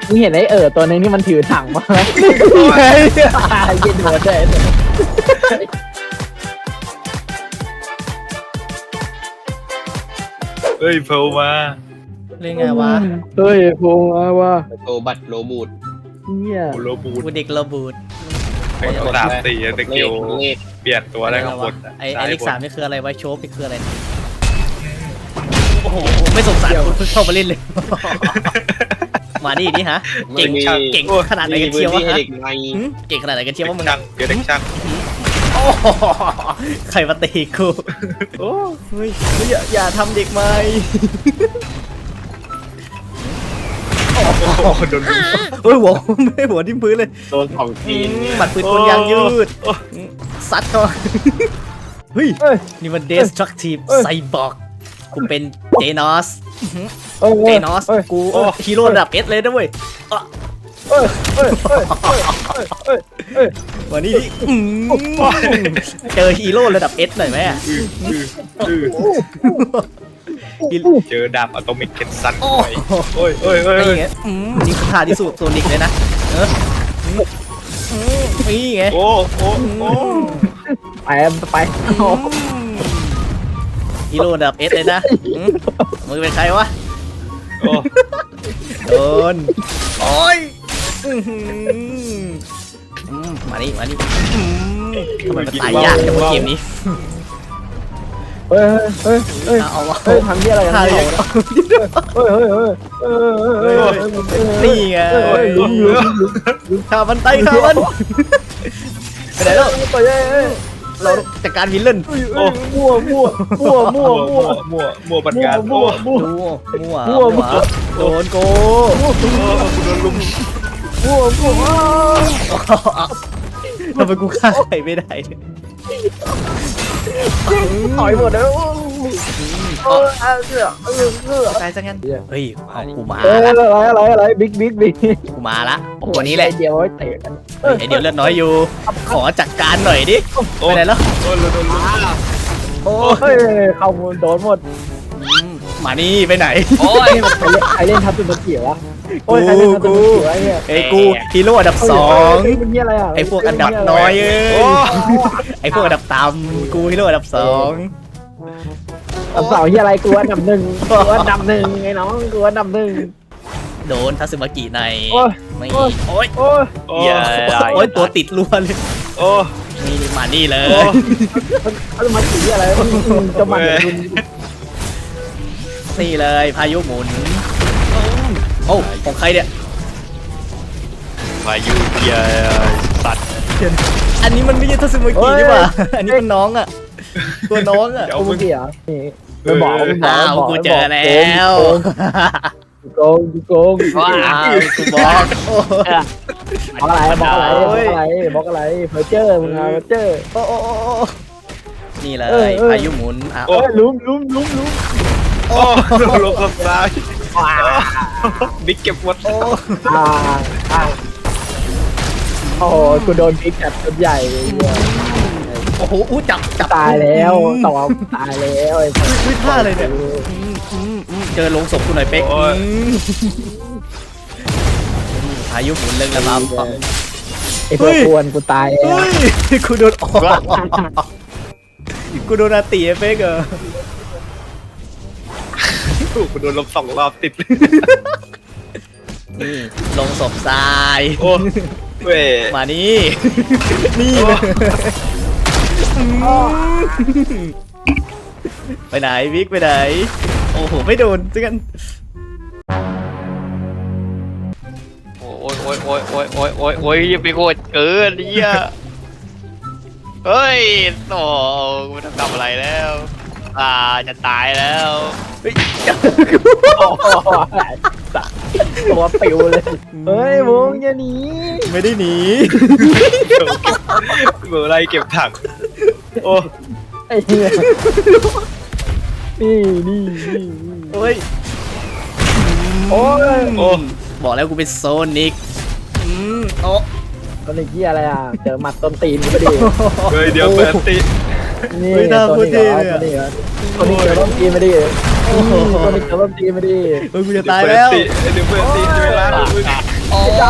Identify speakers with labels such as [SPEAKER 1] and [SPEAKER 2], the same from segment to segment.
[SPEAKER 1] มึงเห็นไอ้ตัวนึงที่มันถือถังมาไหมยิงโดนได้
[SPEAKER 2] เฮ้ยเพลมา
[SPEAKER 3] เล่นไงวะ
[SPEAKER 1] เฮ้ยโผล่มาว่ะ
[SPEAKER 4] โตบัตรโลบูด
[SPEAKER 1] เนี่ย
[SPEAKER 2] โลบูด
[SPEAKER 3] กูเด็กระบูด
[SPEAKER 2] ไอ้สามสี่เด็ก
[SPEAKER 4] เล
[SPEAKER 2] เดียว
[SPEAKER 4] ขเลข
[SPEAKER 2] เปลี่ยนตัวได้ข้างบน
[SPEAKER 3] ไอ้เลข3นี่คืออะไรวะโชว์นี่คืออะไรโอ้โหไม่สงสารคุณเพิ่งเข้ามาเล่นเลยมานี่ฮะเก่งขนาดไหนกันเชียววะฮะเก่งขนาดไหนกันเชียวว่ามึง
[SPEAKER 2] ช่างเดี๋ยวเด็กช่าง
[SPEAKER 3] โอ้ใครมาตีกูโอ้เฮ้ยอย่าทำเด็กไหม
[SPEAKER 2] โอ้โหโดนลุม
[SPEAKER 3] เฮ้ยหัวไม่หัวทิ่มพื้นเลย
[SPEAKER 4] โดนของจีน
[SPEAKER 3] หมัดปืนกลยางยืดซัดเขาเฮ้ยนี่มัน destructive cyborg กูเป็นเจนอสเจนอสกูฮีโร่ระดับ S เลยนะเว้ยวันนี้เจอฮีโร่ระดับ S หน่อยไหมอ่ะ
[SPEAKER 2] เจอดาบอะตอมิกเคนซันไปโอ้ย
[SPEAKER 3] นี่ไงนี่คือท่าที่สุดโซนิกเลยนะนี่ไง
[SPEAKER 2] โอ้
[SPEAKER 1] ไป
[SPEAKER 3] ฮีโร่ระดับ S เลยนะมึงเป็นใครวะโดนโอ้ยมานี่ทำไมมันตายยากจังวะเกมนี้
[SPEAKER 1] เฮ้ย
[SPEAKER 3] เอาวะ
[SPEAKER 1] ทำที่อะไรกันเนี่ย
[SPEAKER 3] นี่ไงข้ามันไตข้ามันไปไหนแล้วเราจัดการวิลเลน
[SPEAKER 1] มั่ว
[SPEAKER 2] บัตรการ
[SPEAKER 3] มั่วโดนโก
[SPEAKER 2] โดนลุม
[SPEAKER 3] ทำไมกูฆ่าใครไม่ได้
[SPEAKER 1] ถอยหมดแล้ว
[SPEAKER 3] ตายซะงั้นเฮ้ยเอากูมา
[SPEAKER 1] อะไรบิ๊ก
[SPEAKER 3] กูมาละตัวนี้แหละ
[SPEAKER 1] เดี๋ยวเตะกัน
[SPEAKER 3] ไอเดี๋ยวเลือดน้อยอยู่ขอจัดการหน่อยดิไปไหนแล้ว
[SPEAKER 2] โดนลุม
[SPEAKER 1] โอ้ยเข้าโดนหมด
[SPEAKER 3] มานี่ไปไหน
[SPEAKER 1] โอ้ยใครเล่นทับตุนเกี่ยววะโอ้ยใครเล่นทับตุนเกี่ยวไอ้เนี่ย
[SPEAKER 3] ไอ้กูฮีโร่อันดับ2
[SPEAKER 1] มันนี่อะไรอ่ะ
[SPEAKER 3] ไอ้พวกอันดับน้อยไอ้พวกอันดับต่ำกูฮีโร่อันดับ2
[SPEAKER 1] อันดับ2ที่อะไรกูอันดับ1กูอันดับ1ไอ้น้องกูอันดับ1
[SPEAKER 3] โดนทัสึมากิในไม่โอ้ย
[SPEAKER 2] อย่า
[SPEAKER 3] โอ้ยตัวติดรัวเลยนี่มานี่เลย
[SPEAKER 1] ทัสึมากิอะไรจะมา
[SPEAKER 3] นี่เลยพายุหมุนโอ้ของใครเนี่ย
[SPEAKER 2] พายุเยาสัตว์
[SPEAKER 3] อันนี้มันไม่ใช่ทัสึมากินี่หว่าอันนี้เป็นน้องอ่ะตัวน้องอ่ะ
[SPEAKER 1] โอ้มึงเกี่ยวไม่บอก
[SPEAKER 3] กูเจอแล้ว
[SPEAKER 1] โกง
[SPEAKER 3] ว้าวกูบอก
[SPEAKER 1] บอกอะไรเพอเจอร์มึงเพอเจอร์
[SPEAKER 3] โอ้นี่เลยพายุหมุน
[SPEAKER 1] ลุ้ม
[SPEAKER 2] โอ้ลงกับซ้ายบิ๊กเก็บหมด
[SPEAKER 1] โอ้กูโดนบิ๊กจัดตัวใหญ่เลย
[SPEAKER 3] โอ้โหจับ
[SPEAKER 1] ตายแล้วต่อตายแล้วไอ้
[SPEAKER 3] ท่าอะไรเนี่ยเจอลงศพกูหน่อยเป๊กพายุหมุนเรื่องระบำ
[SPEAKER 1] ไอ้พวกกวนกูตายแล้ว
[SPEAKER 3] กูโดนกูโดนอาตีเป๊ก
[SPEAKER 2] กูโดนลบ2 รอบติด
[SPEAKER 3] นี่ลงศพทราย
[SPEAKER 2] เว้ย
[SPEAKER 3] มานี่เลยไปไหนวิกไปไหนโอ้โหไม่โดนจังกัน
[SPEAKER 2] โอ้ยยังไปโคตรเกินเนี่ยเฮ้ยโอ้กูทำอะไรแล้วจะตายแล้ว
[SPEAKER 1] ตัวปิวเลยเฮ้ยวงอย่าหนี
[SPEAKER 3] ไม่ได้หนี
[SPEAKER 2] เมื่อไรเก็บถังโอ้
[SPEAKER 1] ไอ้เนี่ยนี่
[SPEAKER 3] โอ้ยบอกแล้วกูเป็นโซนิก
[SPEAKER 1] โซนิกที่อะไรอ่ะเจอหมัดต้นตีนกูไปดิ
[SPEAKER 2] เดี๋ยวเปิดตี
[SPEAKER 1] นี่ตัวนี้ตัวนี้เจอต้นตีนไปดิตัวนี้เจอต้นตีนไปดิ
[SPEAKER 3] กูจะตายแล้ว
[SPEAKER 2] เดี๋ยวเปิดตีเวลา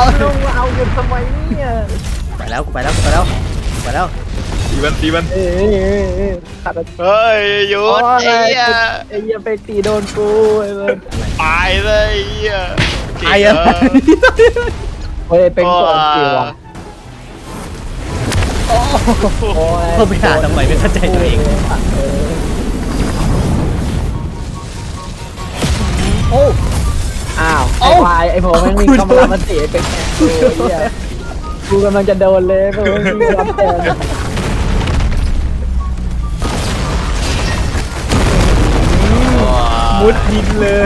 [SPEAKER 1] ลงมาเอาเงินทำไมเนี่ย
[SPEAKER 3] ไปแล้วกูไปแล้วกูไปแล้วไปแล้ว
[SPEAKER 5] ตีมัน
[SPEAKER 1] เอ้ยขัด
[SPEAKER 2] เฮ้ยหยุดไอ้เหี้ย
[SPEAKER 1] ไอ้เหี้ยไปตีโดนกูไอ้เว้ย
[SPEAKER 2] ตายเลยไอ้เหี้ย
[SPEAKER 3] ไอ้อะไร
[SPEAKER 1] เฮ้ยเป็นก่อนตีว่ะโอ้ย
[SPEAKER 3] เขาไปหาทำไมไม่เข้าใจตัวเองโอ้
[SPEAKER 1] อ้าวไอ้ควายไอ้ผมแม่งมีคำรามมันตีไอ้เป็กกูกำลังจะโดนเลยกูไม่มีรับแทนมุดยิงเลย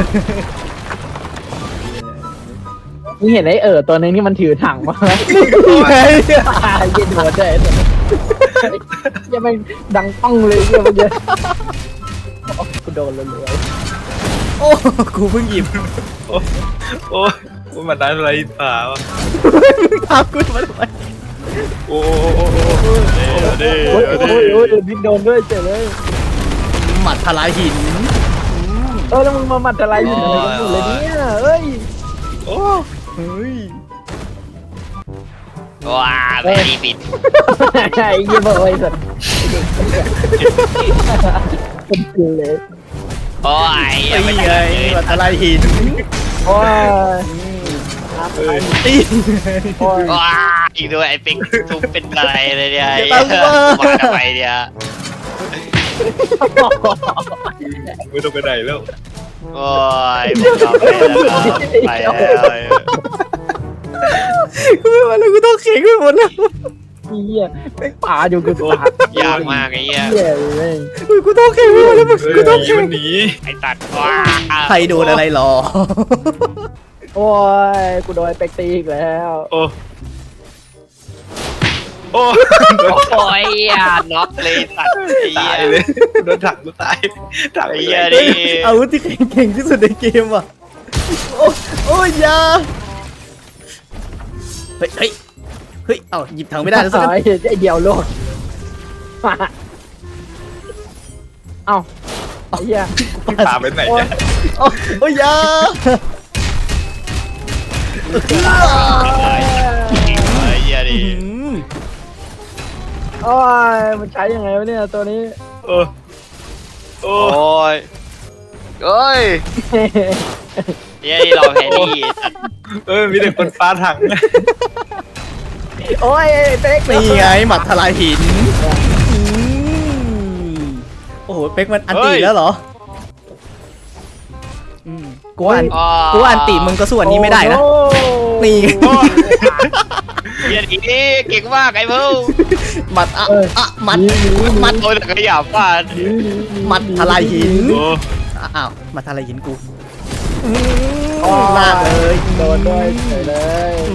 [SPEAKER 1] มึงเห็นไอ้ตัวนึงที่มันถือถังมาไหมยิงหัวใจยังไม่ดังป้องเลยเมื่อกี้กูโดนเลย
[SPEAKER 3] โอ้กูเพิ่งหยิบ
[SPEAKER 5] โอ้มันได้อะไรป่าวะ
[SPEAKER 3] ทำกูมาทำไม
[SPEAKER 5] โอ้
[SPEAKER 1] โอ้ยบิ๊กโดนด้วยเจ๋เลย
[SPEAKER 3] หมัดทลายหิน
[SPEAKER 1] แล้วมึงมาหมัดอะไรอยู่อะไรกันอยู่เลยเนี่ยเอ้ย
[SPEAKER 5] โอ้
[SPEAKER 3] เฮ้ย
[SPEAKER 2] ว้าแม่ดีปิด
[SPEAKER 1] ไอ้ยี่บอยสัตว์เป็นกูเลย
[SPEAKER 2] โอ้ย
[SPEAKER 3] ไอ้
[SPEAKER 2] ไม่
[SPEAKER 3] ไง
[SPEAKER 2] ได้
[SPEAKER 3] หมัดทลายหิน
[SPEAKER 1] โอ้ย
[SPEAKER 3] ตี
[SPEAKER 1] โอ้ย
[SPEAKER 2] ว้าอีกด้วยไอ้ปิ๊กทุบเป็นอะไรเลยเนี่ย
[SPEAKER 3] อย่าตามกูมา
[SPEAKER 2] มาทำไมเนี่ย
[SPEAKER 5] ไม่ต้องไปไหนแล้ว
[SPEAKER 2] โอ้ยผมยอมไปแล้ว
[SPEAKER 3] กูไม่ไหวแล้วกูต้องเข่งไปหมดแล้ว
[SPEAKER 1] เหี้ยไม่ป่าอยู่กูป่าย
[SPEAKER 2] ากมากไอ้เหี้ย
[SPEAKER 1] เหี้ยเลย
[SPEAKER 3] กูต้องเข่งไปหมดแล้วกูต้องเข่ง
[SPEAKER 5] มันหนี
[SPEAKER 2] ไอ้ตัดว้า
[SPEAKER 3] ใครโดนอะไรหรอ
[SPEAKER 1] โอ้ยกูโดนเป็กตีอีกแล้ว
[SPEAKER 5] โอ้โอ้
[SPEAKER 2] โอ้ยน็อกเลยตัดไอ้เหี้
[SPEAKER 5] ตาย
[SPEAKER 2] ย
[SPEAKER 5] เลยโดนถังกูตายถัง
[SPEAKER 2] ไอ้
[SPEAKER 5] ไป
[SPEAKER 2] เหี้ย
[SPEAKER 5] เลย
[SPEAKER 2] ดิ
[SPEAKER 3] อาวุธที่เก่งที่สุดในเกมอ่ะโอ้ยยาเฮ้ยเฮ้ยเฮ้ยเอ้าหยิบถังไม่ได้แล้วสัก
[SPEAKER 1] ไอ้เดียวโลดเอ้าไอ้เหี้ย
[SPEAKER 5] ตามไปไหน
[SPEAKER 1] โอ้ย
[SPEAKER 5] เนี่ย
[SPEAKER 3] โอ้ยยา
[SPEAKER 2] ไอ้เหี้ยดิ
[SPEAKER 1] โอ้ยมันใช้ยังไงวะเนี่ยตัวนี้
[SPEAKER 5] โอ้โอ้
[SPEAKER 2] โอ้ยเอ้ยเหี้ยนี่เราแพ้นี่ตัด
[SPEAKER 5] มีแต่คนปาถัง
[SPEAKER 1] โอ้ยเป๊ก
[SPEAKER 3] นี่ไงหมัดทลายหินโอ้โหเป๊กมันอันตีแล้วเหรอกูว่าอันตีมึงก็ส่วนนี้ไม่ได้นะนี่
[SPEAKER 2] เหี้ยดีเก่งมากไอ้เพิ่ง
[SPEAKER 3] หมัดหมัดหมัด
[SPEAKER 2] โอ้ยแต่ก็หยาบฟาด
[SPEAKER 3] หมัดทลายหิน
[SPEAKER 5] โอ้
[SPEAKER 3] อ้าวหมัดทลายหินกูลากเลย
[SPEAKER 1] โดนด้วยเฉยเลย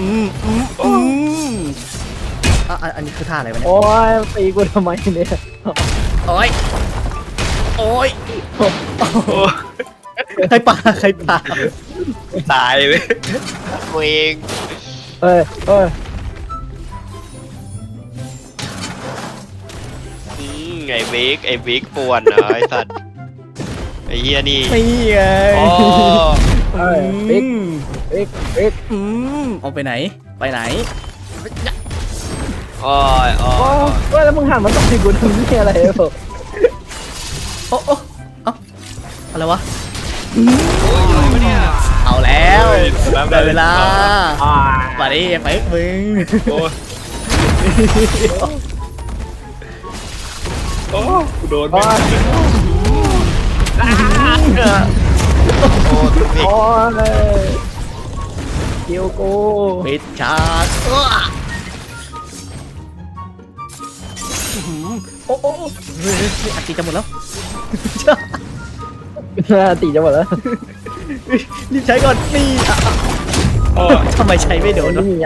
[SPEAKER 3] อันนี้คือท่าอะไรวะเนี่ย
[SPEAKER 1] โอ้ยตีกูทำไมเนี่ย
[SPEAKER 3] โอ้ยโอ้ย
[SPEAKER 5] โอ้
[SPEAKER 3] ใครป่าใครป่า
[SPEAKER 5] ตายเลย
[SPEAKER 2] กูเอง
[SPEAKER 1] เอ้ย
[SPEAKER 2] ไอ้บิ๊กป่วนนะไอ้สัตว์ไอ้เหี้ยนี่
[SPEAKER 3] นี่ไง
[SPEAKER 2] โอ้
[SPEAKER 1] ปิ๊กปิ๊ก
[SPEAKER 3] เอาไปไหนไปไหน
[SPEAKER 2] โอ้ยโอ้
[SPEAKER 1] โอ้ยแล้วมึงหันมาตบตีกูทำนี่อะไรเหรอ
[SPEAKER 3] โอ้เอาอะไรวะ
[SPEAKER 2] ยเนี่ย
[SPEAKER 3] เอาแล้ว
[SPEAKER 5] น้ำ
[SPEAKER 3] ได้เวลา
[SPEAKER 1] อ่า
[SPEAKER 3] มาดิไปมึง
[SPEAKER 5] โอ้โอ้โดนไป
[SPEAKER 2] โอ้ทุกที
[SPEAKER 1] โอ้ยคิวกู
[SPEAKER 3] ปิดฉากโอ้โอ้อัดตีจะหมดแล้ว
[SPEAKER 1] ตีจะหมดแล้ว
[SPEAKER 3] รีบใช้ก่อนนี่
[SPEAKER 5] โอ้
[SPEAKER 3] ทำไมใช้ไม่โดนวะ
[SPEAKER 1] นี่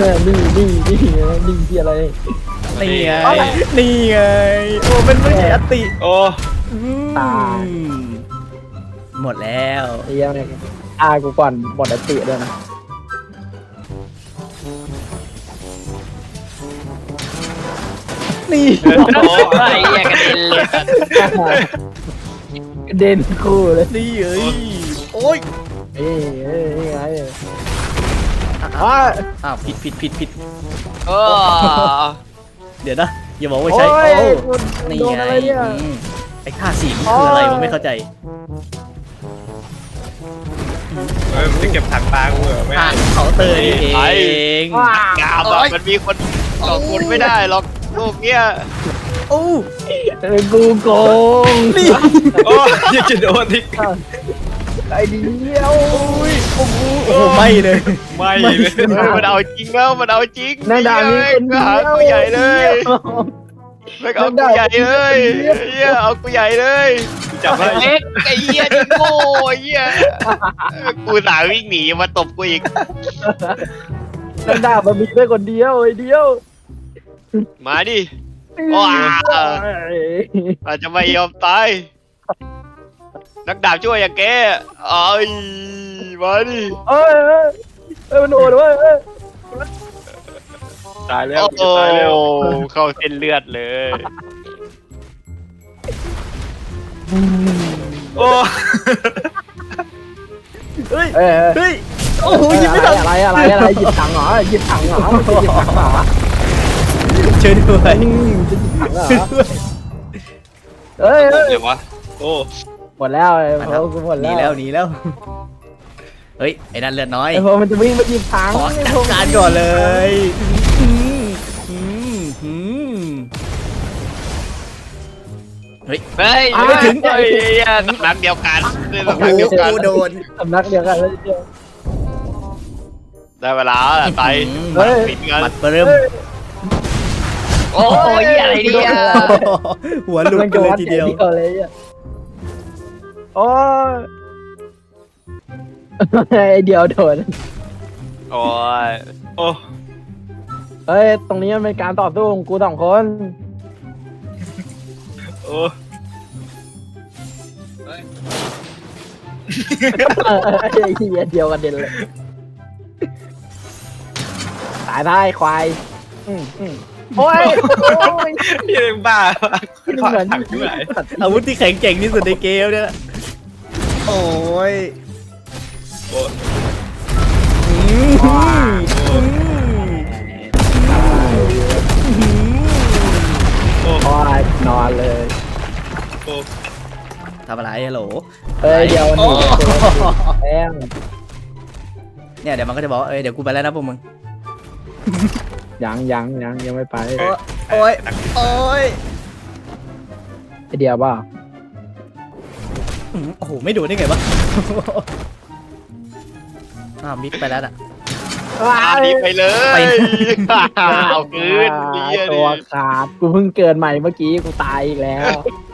[SPEAKER 1] ที่อะไร
[SPEAKER 3] นี่ไงนี่ไงโอ้เป็นไม่ใช่อัตติ
[SPEAKER 5] โอ้
[SPEAKER 1] ตาย
[SPEAKER 3] หมดแล้ว
[SPEAKER 1] ไอ้ยังเนี่ยกูก่อนหมดอติด้วยนะ
[SPEAKER 3] นี่
[SPEAKER 2] โอ้ยไอ้เหี้ยกระเด็นเลย
[SPEAKER 1] เด่นคู่เลย
[SPEAKER 3] นี่เอ้ยโอ้ย
[SPEAKER 1] นี่ไง
[SPEAKER 3] อ้าวผิด
[SPEAKER 2] เออ
[SPEAKER 3] เดี๋ยวนะอย่าบอกว่าใช้
[SPEAKER 1] โอ้ย
[SPEAKER 3] โอ้
[SPEAKER 1] กู
[SPEAKER 3] นี่
[SPEAKER 1] โดน
[SPEAKER 3] ไง
[SPEAKER 1] อะไรเนี่ย
[SPEAKER 3] ไอ้ท่าสีมันคืออะไรมันไม่เข้าใจ
[SPEAKER 5] มันจะเก็บถังปลากูเหรอไม่
[SPEAKER 3] ท่า
[SPEAKER 5] ให้
[SPEAKER 3] เคาน์เตอร์นี่เอง
[SPEAKER 2] งามอะมันมีคนสองคนไม่ได้หรอกโลกเนี้ย
[SPEAKER 3] โอ้
[SPEAKER 1] กูโกง
[SPEAKER 3] นี่
[SPEAKER 5] โอ้ยยังจะโดนอีก
[SPEAKER 1] ไอ้เดียว
[SPEAKER 3] โอ้โหไม่เลย
[SPEAKER 5] ไม่เลย
[SPEAKER 2] มันเอาจริงแล้วมันเอาจริง
[SPEAKER 1] นางดามีคน
[SPEAKER 2] ก็หากูใหญ่เลยไม่เอากูใหญ่เลยเฮียเอากูใหญ่เลย
[SPEAKER 5] จับได้
[SPEAKER 2] เล็กไอ้เหี้ยนี่โง่ไอ้เหี้ยกูสาวิ่งหนีมาตบกูอีก
[SPEAKER 1] นางดามันมีแค่คนเดียวไอ้เดียว
[SPEAKER 2] มาดิว้าอาจจะไม่ยอมตายนักดาบช่วยอย่างแกเอ้ยมาดิ
[SPEAKER 1] เอ้ยมันโอดเว้ย
[SPEAKER 5] ตายแล้ว
[SPEAKER 2] โอ้โห
[SPEAKER 5] ตายแล้ว
[SPEAKER 2] เข้าเส้นเลือดเลย
[SPEAKER 5] โอ้
[SPEAKER 3] เฮ้ย
[SPEAKER 1] เอ้ย
[SPEAKER 3] เฮ้ยโอ้โหยิงไม่ทัน
[SPEAKER 1] อะไรหยิบถังเหรอหยิบถังเหรอหยิบถังเหรอ
[SPEAKER 3] ช่วยด้วย
[SPEAKER 1] จะหยิบถังเหรอเอ้ย
[SPEAKER 2] เดี๋ยววะ
[SPEAKER 5] โอ้
[SPEAKER 1] หมดแล้วไอ้พวกกูหมด
[SPEAKER 3] หนี
[SPEAKER 1] แล้ว
[SPEAKER 3] แล้วเฮ้ยไอ้นั่นเลือดน้อย
[SPEAKER 1] ไอ้พวกมันจะวิ่งมาหยิบถัง
[SPEAKER 3] ขอจัดการก่อนเลยเฮ้ย
[SPEAKER 2] เฮ้ย
[SPEAKER 3] ไม่ถึง
[SPEAKER 2] เฮ้ยสำนักเดียวกันสำนัก
[SPEAKER 3] โอ้
[SPEAKER 2] เดียวกัน
[SPEAKER 3] โหโดน
[SPEAKER 1] สำนักเดียวกันเลยเดียว
[SPEAKER 2] ได้เวลาแล้วไป
[SPEAKER 1] เฮ้ย
[SPEAKER 2] ปิดกัน
[SPEAKER 3] บัดเริ่ม
[SPEAKER 2] โอ้ยอะไรเนี่ย
[SPEAKER 3] หัวหลุดกันเลยทีเดียว
[SPEAKER 1] เลยอ่ะโอ้ยไอ้เดียวโดน
[SPEAKER 2] โอ้ย
[SPEAKER 5] โอ้
[SPEAKER 1] เฮ้ยตรงนี้มันเป็นการต่อสู้ของกูสองคน
[SPEAKER 5] โอ้
[SPEAKER 1] ไอ้เหี้ยเดียวกันเด่นเลยตายได้ควายโอ้ย
[SPEAKER 5] ยังบ้าขึ้น
[SPEAKER 1] เหมือน
[SPEAKER 5] ถังที่ไหน
[SPEAKER 3] อาวุธที่แข็งแกร่งที่สุดในเกมเนี่ยโอ้ย
[SPEAKER 5] โอ้ โอ้
[SPEAKER 1] โอ้ยนอนเลย
[SPEAKER 5] โอ้
[SPEAKER 3] ทำอะไรฮัลโหล
[SPEAKER 1] เอ้ยเดี๋ยวหนีแป้ง
[SPEAKER 3] เนี่ยเดี๋ยวมันก็จะบอกเดี๋ยวกูไปแล้วนะพวกมึง
[SPEAKER 1] ยังไม่ไป
[SPEAKER 3] โอ้ยโอ้ย
[SPEAKER 1] ไอเดียวบ้า
[SPEAKER 3] โอ้โหไม่โดนได้ไงวะมิดไปแล้วอ่ะ
[SPEAKER 2] อันนี้ไปเลย
[SPEAKER 3] ไป
[SPEAKER 2] เอาคืน
[SPEAKER 1] ตัวขาดกูเพิ่งเกิดใหม่เมื่อกี้กูตายอีกแล้ว